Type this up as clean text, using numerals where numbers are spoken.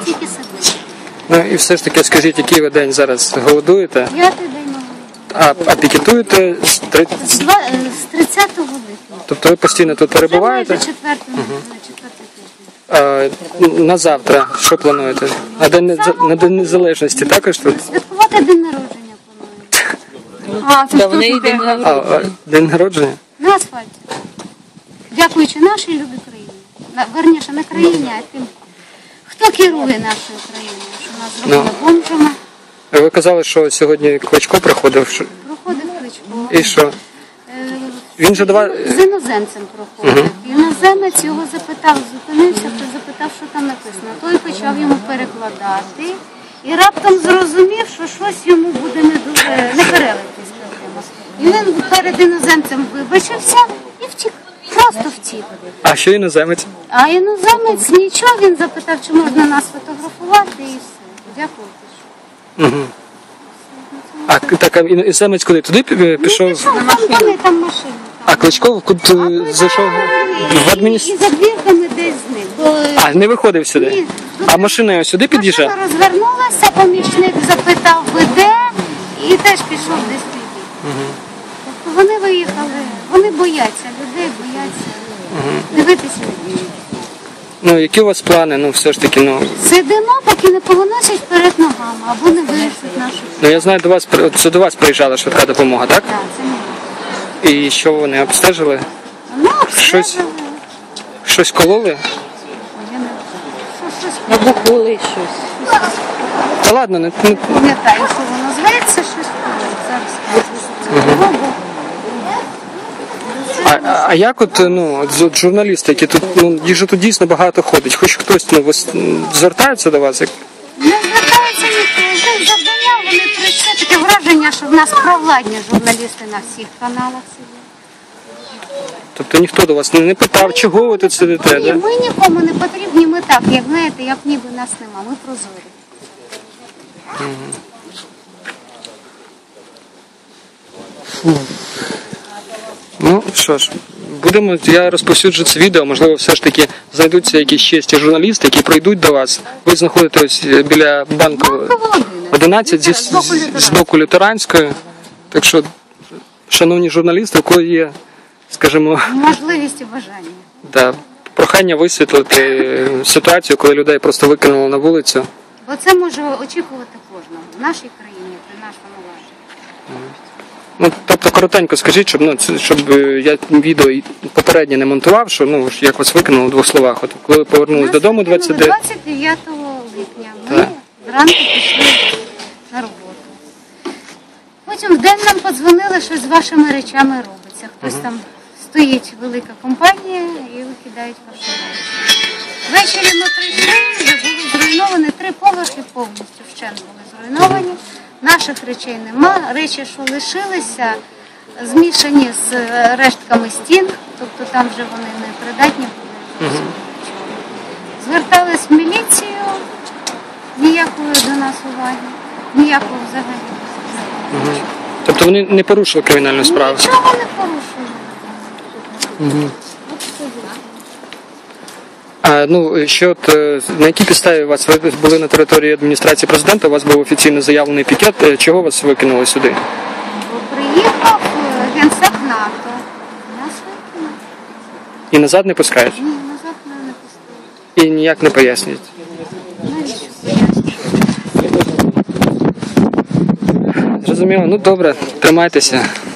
тільки садити. Ну і все ж таки скажіть, який ви день зараз голодуєте? 5-й день голоду. А пікетуєте з З 30 липня. Тобто ви постійно тут перебуваєте? Це майже четвертий тиждень. На завтра що плануєте? На День Незалежності також тут? Святкувати день народження плануємо. Та в неї день народження. День народження? На асфальті. Дякуючи нашій любій країні. Верніше, не країні, а тим, хто керує нашою країною, що нас зробили бомжами. Ви казали, що сьогодні Кличко приходив. Проходив Кличко. І що? Він же до вас... З іноземцем проходив. Іноземець його запитав, зупинився, запитав, що там написано. Той почав йому перекладати і раптом зрозумів, що щось йому буде не дуже, не перелитись. І він перед іноземцем вибачився і втік. Просто втік. А що іноземець? А іноземець нічого, він запитав, чи можна нас фотографувати і все. Дякую. А так, іноземець куди? Туди пішов? Там машина. А Кличко куди зайшов? В адміністрацію? І за двірками десь зник. А, не виходив сюди? Ні. А машина його сюди під'їжджає? Машина розвернулася, помічник запитав, ви де? І теж пішов десь туди. Тобто вони виїхали, вони бояться, людей бояться. Дивитися. Ну, які у вас плани? Ну, все ж таки, ну... Сидимо, поки не повиносять перед ногами, або не вирішать нашу. Ну, я знаю, це до вас приїжджала швидка допомога, так? Так, це не. І що вони обстежили? Ну, Щось? Щось кололи? Я не щось Набухли щось. Та ладно, не... пам'ятаю, що воно зветься, щось зараз. А як от, ну, от журналісти, які тут, ну, їх же тут дійсно багато ходить, хоч хтось, ну, звертається до вас? Не звертаються ніхто, завдання, вони прийшли, таке враження, що в нас провладні журналісти на всіх каналах сидять. Тобто ніхто до вас не питав, чого ви тут сидите, Ні, да? ми нікому не потрібні, ми так, як знаєте, як ніби нас нема, ми прозорі. Ну, що ж, я розповсюджу це відео, можливо, все ж таки знайдуться якісь честі журналісти, які прийдуть до вас. Ви знаходитесь біля банку 11 з боку Лютеранської. Так що, шановні журналісти, у кого є, скажімо, Можливість і бажання. да, прохання висвітлити ситуацію, коли людей просто викинули на вулицю. Бо це може очікувати кожного в нашій країні, при нашому владі. Ну, тобто, коротенько скажіть, щоб я відео попереднє не монтував, що, ну, як вас викинули в двох словах. От коли ви повернулись додому 29 липня ми зранку пішли на роботу. Потім вдень нам подзвонили, що з вашими речами робиться. Хтось там стоїть, велика компанія, і викидають ваші речі. Ввечері ми прийшли, вже були зруйновані 3 поверхи повністю вщент були зруйновані. Наших речей нема, речі, що лишилися, змішані з рештками стін, тобто там вже вони не придатні були. Звертались в міліцію, ніякої до нас уваги, ніякого взагалі. Тобто вони не порушили кримінальну справу? Нічого не порушили. А, ну, що от, на якій підставі ви були на території адміністрації президента, у вас був офіційно заявлений пікет, чого вас викинули сюди? Бо приїхав генсек НАТО, нас викинули. І назад не пускають? Ні, назад мене не пустили. І ніяк не пояснюють? Навіщо пояснювати? Зрозуміло, ну добре, тримайтеся.